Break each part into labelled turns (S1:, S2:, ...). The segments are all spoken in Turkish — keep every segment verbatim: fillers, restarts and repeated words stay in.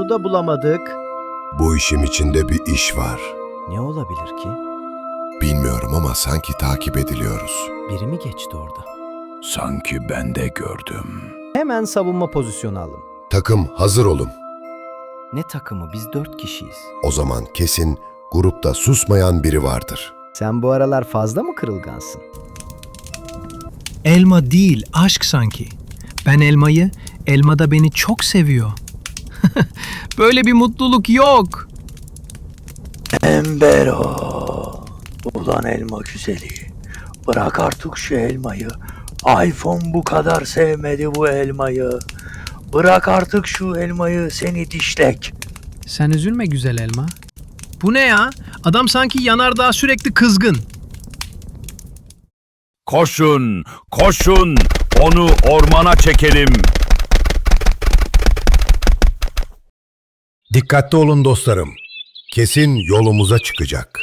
S1: da bulamadık.
S2: Bu işin içinde bir iş var.
S1: Ne olabilir ki?
S2: Bilmiyorum ama sanki takip ediliyoruz.
S1: Biri mi geçti orada?
S3: Sanki ben de gördüm.
S1: Hemen savunma pozisyonu alın.
S2: Takım hazır olun.
S1: Ne takımı? Biz dört kişiyiz.
S2: O zaman kesin grupta susmayan biri vardır.
S1: Sen bu aralar fazla mı kırılgansın?
S4: Elma değil, aşk sanki. Ben elmayı, elma da beni çok seviyor. Böyle bir mutluluk yok.
S5: Embero. Ulan elma güzeli. Bırak artık şu elmayı. iPhone bu kadar sevmedi bu elmayı. Bırak artık şu elmayı, seni dişlek.
S4: Sen üzülme güzel elma. Bu ne ya? Adam sanki yanardağ sürekli kızgın.
S3: Koşun, koşun, onu ormana çekelim.
S2: Dikkatli olun dostlarım. Kesin yolumuza çıkacak.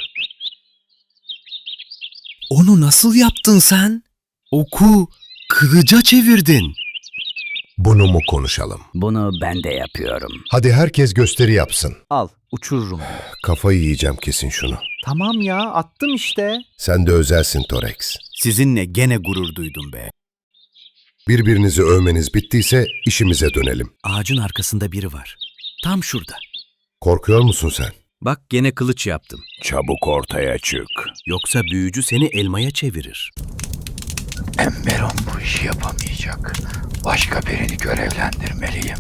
S6: Onu nasıl yaptın sen? Oku kılıca çevirdin.
S2: Bunu mu konuşalım?
S7: Bunu ben de yapıyorum.
S2: Hadi herkes gösteri yapsın.
S1: Al, uçururum.
S2: Kafayı yiyeceğim kesin şunu.
S1: Tamam ya, attım işte.
S2: Sen de özelsin Torex.
S6: Sizinle gene gurur duydum be.
S2: Birbirinizi övmeniz bittiyse işimize dönelim.
S6: Ağacın arkasında biri var. Tam şurada.
S2: Korkuyor musun sen?
S6: Bak gene kılıç yaptım.
S3: Çabuk ortaya çık.
S6: Yoksa büyücü seni elmaya çevirir.
S5: Emberon bu işi yapamayacak. Başka birini görevlendirmeliyim.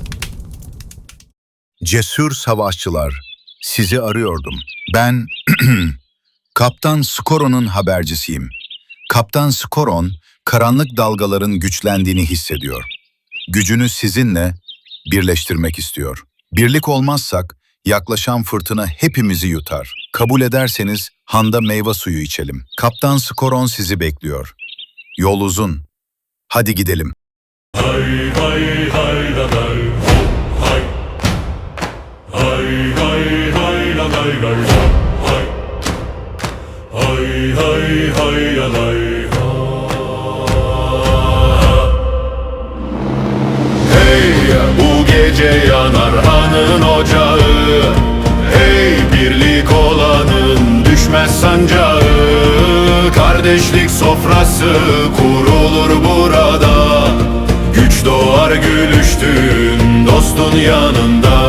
S8: Cesur savaşçılar, sizi arıyordum. Ben Kaptan Skoron'un habercisiyim. Kaptan Skoron, karanlık dalgaların güçlendiğini hissediyor. Gücünü sizinle birleştirmek istiyor. Birlik olmazsak yaklaşan fırtına hepimizi yutar. Kabul ederseniz handa meyve suyu içelim. Kaptan Skoron sizi bekliyor. Yol uzun. Hadi gidelim.
S9: Hay hay hay la lay, hay. Hay hay hay la lay lay, hay. Hay hay hay la lay, ha. Hey, bu gece yanar hanın ocağı. Hey, birlik olanın düşmez sancağı. Kardeşlik sofrası kurulur burada. Güç doğar gülüştüğün dostun yanında.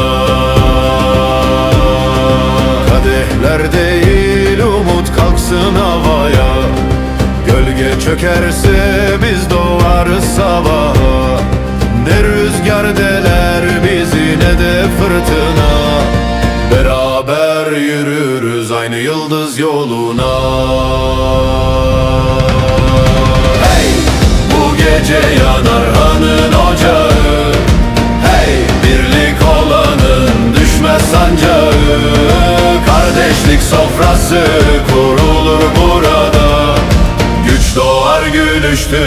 S9: Kadehler değil umut kalksın havaya. Gölge çökerse biz doğarız sabaha. Ne rüzgar deler bizi ne de fırtına. Beraber yürürüz aynı yıldız yoluna. Hey! Bu gece yanar hanın ocağı. Hey! Birlik olanın düşmez sancağı. Kardeşlik sofrası kurulur burada. Güç doğar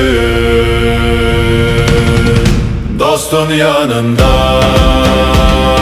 S9: gülüştün dostun yanında.